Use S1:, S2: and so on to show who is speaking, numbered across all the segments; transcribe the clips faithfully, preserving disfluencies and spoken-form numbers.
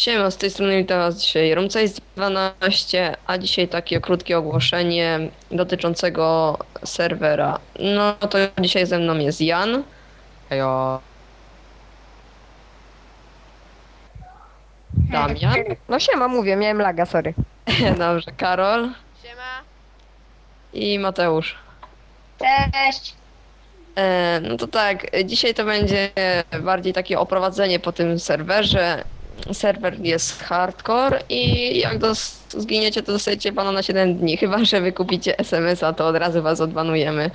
S1: Siema, z tej strony witam was dzisiaj Rumcejs dwanaście, a dzisiaj takie krótkie ogłoszenie dotyczącego serwera. No to dzisiaj ze mną jest Jan,
S2: Hejo.
S1: Damian,
S3: No siema, mówię, miałem laga, sorry.
S1: dobrze, Karol
S4: Siema.
S1: i Mateusz.
S4: Cześć.
S1: E, no to tak, dzisiaj to będzie bardziej takie oprowadzenie po tym serwerze. Serwer jest hardcore i jak dos- zginiecie, to dostajecie bana na siedem dni. Chyba że wykupicie es em es a, to od razu was odbanujemy.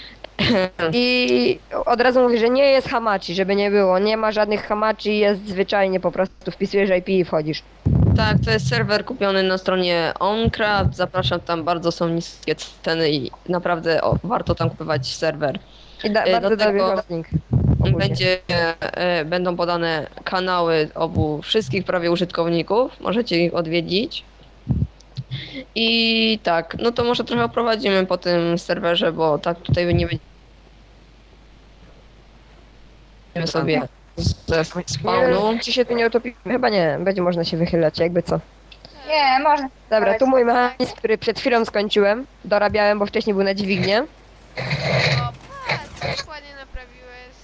S3: I od razu mówię, że nie jest hamachi, żeby nie było. Nie ma żadnych hamachi, jest zwyczajnie po prostu wpisujesz I P i wchodzisz.
S1: Tak, to jest serwer kupiony na stronie OnCraft. Zapraszam, tam bardzo są niskie ceny i naprawdę o, warto tam kupować serwer.
S3: I da,
S1: E,
S3: bardzo
S1: do
S3: dobry
S1: tego
S3: hosting. ogólnie.
S1: Będzie, e, będą podane kanały obu wszystkich prawie użytkowników. Możecie ich odwiedzić. I tak, no to może trochę oprowadzimy po tym serwerze, bo tak tutaj nie będziemy sobie ze spawnu.
S3: Nie, czy się tu nie utopimy? Chyba nie, będzie można się wychylać, jakby co.
S4: Nie, można.
S3: Dobra, tu mój mechanizm, który przed chwilą skończyłem. Dorabiałem, bo wcześniej był na dźwignię.
S4: O, patrz, jak ładnie naprawiłeś.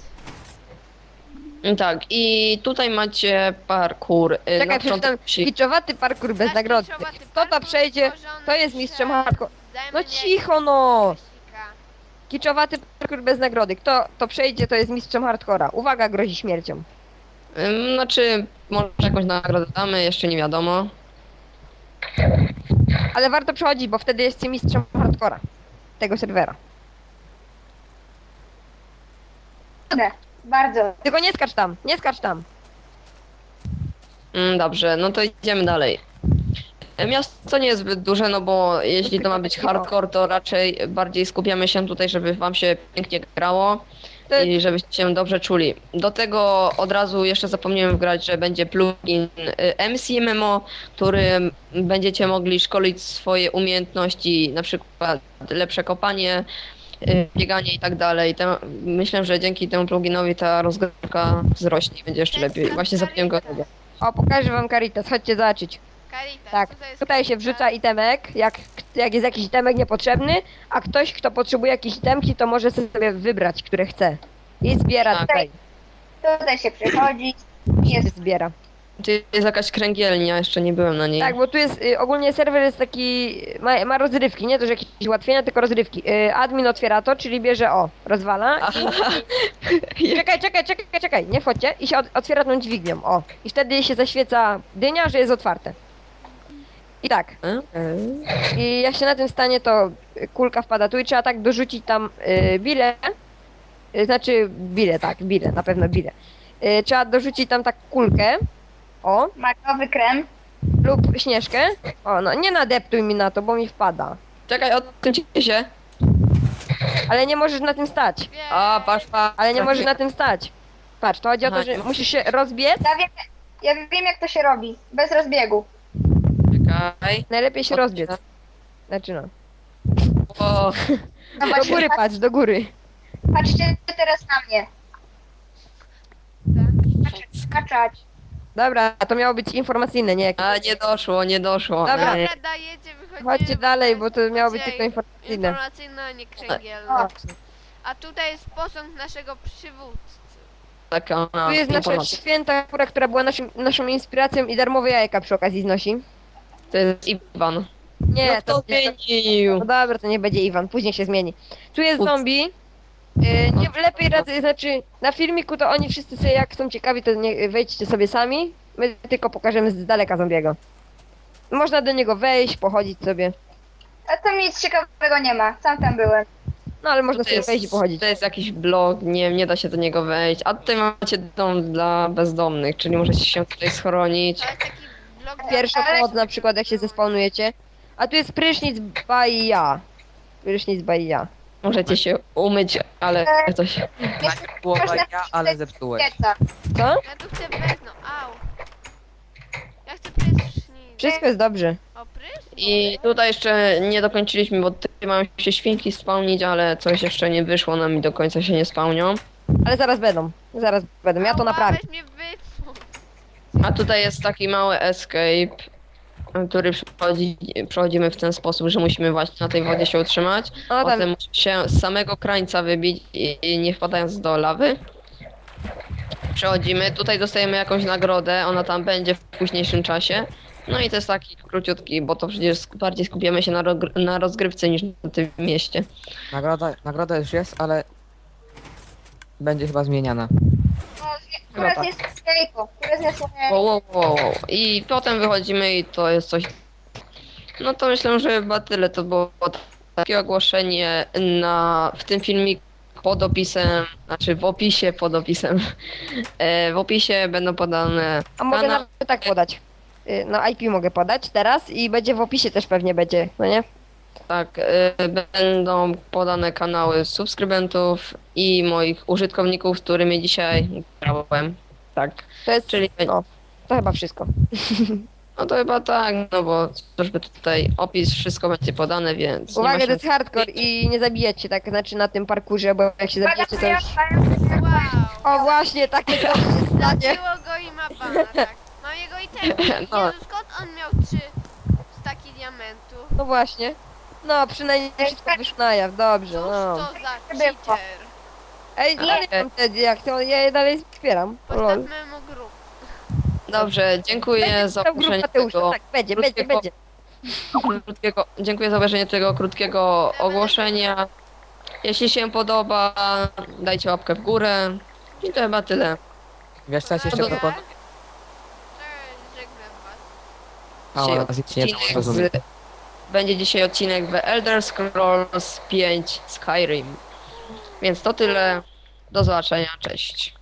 S1: Tak, i tutaj macie parkour. e, na
S3: Czekaj,
S1: początku
S3: przeczytam.
S1: musi-
S3: Kiczowaty parkour bez
S4: Nasz
S3: nagrody.
S4: kiczowaty
S3: Kto to
S4: parkour
S3: przejdzie,
S4: stworzony
S3: to jest mistrzem
S4: przez
S3: hardcore. No
S4: Zajmniej
S3: cicho no!
S4: Krzyśka.
S3: Kiczowaty parkour bez nagrody. Kto to przejdzie, to jest mistrzem hardcora. Uwaga, grozi śmiercią.
S1: Ym, Znaczy, może jakąś nagrodę damy, jeszcze nie wiadomo.
S3: Ale warto przechodzić, bo wtedy jest mistrzem hardcora. Tego serwera.
S4: Dobrze, bardzo.
S3: Tylko nie skacz tam, nie skacz tam.
S1: Mm, Dobrze, no to idziemy dalej. E, Miasto nie jest zbyt duże, no bo jeśli to ma być hardcore, to raczej bardziej skupiamy się tutaj, żeby wam się pięknie grało
S3: To-
S1: i żebyście się dobrze czuli. Do tego od razu jeszcze zapomniałem wgrać, że będzie plugin y, M C M M O, którym będziecie mogli szkolić swoje umiejętności, na przykład lepsze kopanie, y, bieganie i tak dalej. Te- Myślę, że dzięki temu pluginowi ta rozgrywka wzrośnie i będzie jeszcze lepiej. Właśnie zapomniałem go tego.
S3: O, pokażę wam Caritas, chodźcie zobaczyć.
S4: Caritas,
S3: Tak,
S4: co to jest
S3: tutaj się
S4: Caritas?
S3: wrzuca itemek, jak, jak jest jakiś itemek niepotrzebny, a ktoś, kto potrzebuje jakiejś itemki, to może sobie wybrać, które chce. I zbiera
S1: Tak.
S3: tutaj.
S4: Tutaj się przechodzi.
S3: Się
S4: Jest
S3: zbiera.
S1: Tu jest jakaś kręgielnia, jeszcze nie byłem na niej.
S3: Tak, bo tu jest, y, ogólnie serwer jest taki, ma, ma rozrywki, nie to, że jakieś ułatwienia, tylko rozrywki. Y, admin otwiera to, czyli bierze, o, rozwala.
S1: Aha.
S3: Czekaj, czekaj, czekaj, czekaj, nie wchodźcie. I się od, otwiera tą dźwignią, o. I wtedy się zaświeca dynia, że jest otwarte. I tak, i jak się na tym stanie, to y, kulka wpada tu i trzeba tak dorzucić tam y, bile. Y, znaczy, bile, tak, bile, na pewno bile. Y, trzeba dorzucić tam tak kulkę, o,
S4: makowy krem.
S3: lub śnieżkę. O, no nie nadeptuj mi na to, bo mi wpada.
S1: Czekaj, odkręcicie się.
S3: Ale nie możesz na tym stać.
S4: Wie.
S1: A, patrz, patrz.
S3: Ale nie możesz na tym stać. Patrz, to chodzi o to,
S1: Aha,
S3: że
S1: nie
S3: musisz się rozbiec.
S4: Ja wiem, ja wiem jak to się robi. Bez rozbiegu.
S1: Czekaj.
S3: Najlepiej się rozbiec. Znaczy no.
S1: O,
S4: No
S3: Do
S4: właśnie,
S3: góry patrz, do góry.
S4: patrzcie teraz na mnie. Patrz- Skaczać.
S3: Dobra, to miało być informacyjne, nie jakieś.
S1: a nie doszło, nie doszło.
S3: Dobra.
S1: Ej,
S4: Dobra, dajecie, wychodzimy.
S3: Chodźcie dalej, bo to miało być
S4: Chodźcie,
S3: tylko informacyjne.
S4: Informacyjne, a nie kręgielne.
S3: O.
S4: A tutaj jest posąg naszego przywódcy.
S1: Taka
S3: Tu jest nasza
S1: informacja.
S3: święta kura, która była naszym, naszą inspiracją i darmowe jajka przy okazji znosi.
S1: To jest Iwan.
S3: Nie,
S1: no
S3: to
S1: kto
S3: nie.
S1: zmienił?
S3: No dobra, to nie będzie Iwan, później się zmieni. Tu jest
S1: Ups.
S3: zombie. Yy, nie, lepiej radzę, znaczy na filmiku to oni wszyscy sobie jak są ciekawi, to nie, wejdźcie sobie sami. My tylko pokażemy z daleka zombiego. Można do niego wejść, pochodzić sobie.
S4: A tam nic ciekawego nie ma. Sam tam byłem.
S3: No ale można
S1: To
S3: sobie
S1: jest,
S3: wejść i pochodzić.
S1: to jest jakiś blog, nie, nie da się do niego wejść. A tutaj macie dom dla bezdomnych, czyli możecie się tutaj schronić.
S4: To jest taki blok...
S3: Pierwsza
S4: Ale-
S3: pomoc na przykład jak się zespawnujecie. A tu jest prysznic by ja. Prysznic by ja.
S1: Możecie się umyć, ale coś.
S2: Najpierw była ja, ale zepsułeś.
S4: Pieca.
S3: Co?
S4: Ja tu chcę bez, no au. Ja chcę prysznic.
S3: Wszystko jest dobrze.
S4: O, prysznic?
S1: I tutaj jeszcze nie dokończyliśmy, bo tutaj mają się świnki spełnić, ale coś jeszcze nie wyszło nam i do końca się nie spełnią.
S3: Ale zaraz będą. Zaraz będą. Ja to
S4: Ała,
S3: naprawię.
S4: weź mnie wypchnął.
S1: A tutaj jest taki mały escape, który przechodzi, przechodzimy w ten sposób, że musimy właśnie na tej wodzie się utrzymać.
S3: O, tam,
S1: Potem musimy się z samego krańca wybić i, i nie wpadając do lawy. Przechodzimy, tutaj dostajemy jakąś nagrodę, ona tam będzie w późniejszym czasie. No i to jest taki króciutki, bo to przecież sk- bardziej skupiamy się na, rogr- na rozgrywce niż na tym mieście.
S2: Nagroda, nagroda już jest, ale będzie chyba zmieniana.
S5: No, zje-
S1: Chyba
S5: Teraz
S1: tak.
S5: jest escape'u, teraz jest... e,
S1: Wow, wow, wow, wow. I potem wychodzimy i to jest coś... No to myślę, że chyba tyle. To było takie ogłoszenie na, w tym filmiku pod opisem, znaczy w opisie pod opisem. E, w opisie będą podane
S3: a mogę
S1: kanał.
S3: nawet tak podać. Y, No I P mogę podać teraz i będzie w opisie też pewnie będzie, no nie?
S1: Tak, y, będą podane kanały subskrybentów i moich użytkowników, z którymi dzisiaj grałem. Tak,
S3: To jest,
S1: czyli
S3: no, to chyba wszystko.
S1: no to chyba tak, no bo chociażby tutaj opis, wszystko będzie podane, więc nie ma
S3: Uwaga,
S1: się-
S3: to jest hardcore i nie zabijecie tak, znaczy na tym parkurze, bo jak się zabijecie to już...
S4: Wow.
S3: O właśnie, takie coś się stanie.
S4: Zabiło go i ma bana, tak. Mam jego itemy.
S1: No.
S4: Jezu, skąd on miał trzy staki diamentu?
S3: No właśnie. No, przynajmniej wszystko wyszło na jaw, dobrze,
S4: Cóż
S3: no.
S4: to za cheater?
S3: Ej, dalej mam te diakty, ja je dalej wspieram. Lol.
S4: Postawmy mu grup.
S1: Dobrze, dziękuję za
S3: Tam grupa
S1: obejrzenie
S3: Mateusza,
S1: tego
S3: tak, będzie, będzie,
S1: krótkiego-
S3: będzie.
S1: krótkiego, dziękuję za obejrzenie tego krótkiego ogłoszenia. Jeśli się podoba, dajcie łapkę w górę. I to chyba tyle.
S2: Wiesz co ja ci jeszcze
S1: Dobra.
S2: proponuję?
S4: Cześć, żegnam was.
S2: A,
S1: Dzisiaj
S2: ona z nie
S1: odcinek
S2: rozumiem.
S1: z, będzie dzisiaj odcinek The Elder Scrolls pięć Skyrim. Więc to tyle. Do zobaczenia, cześć.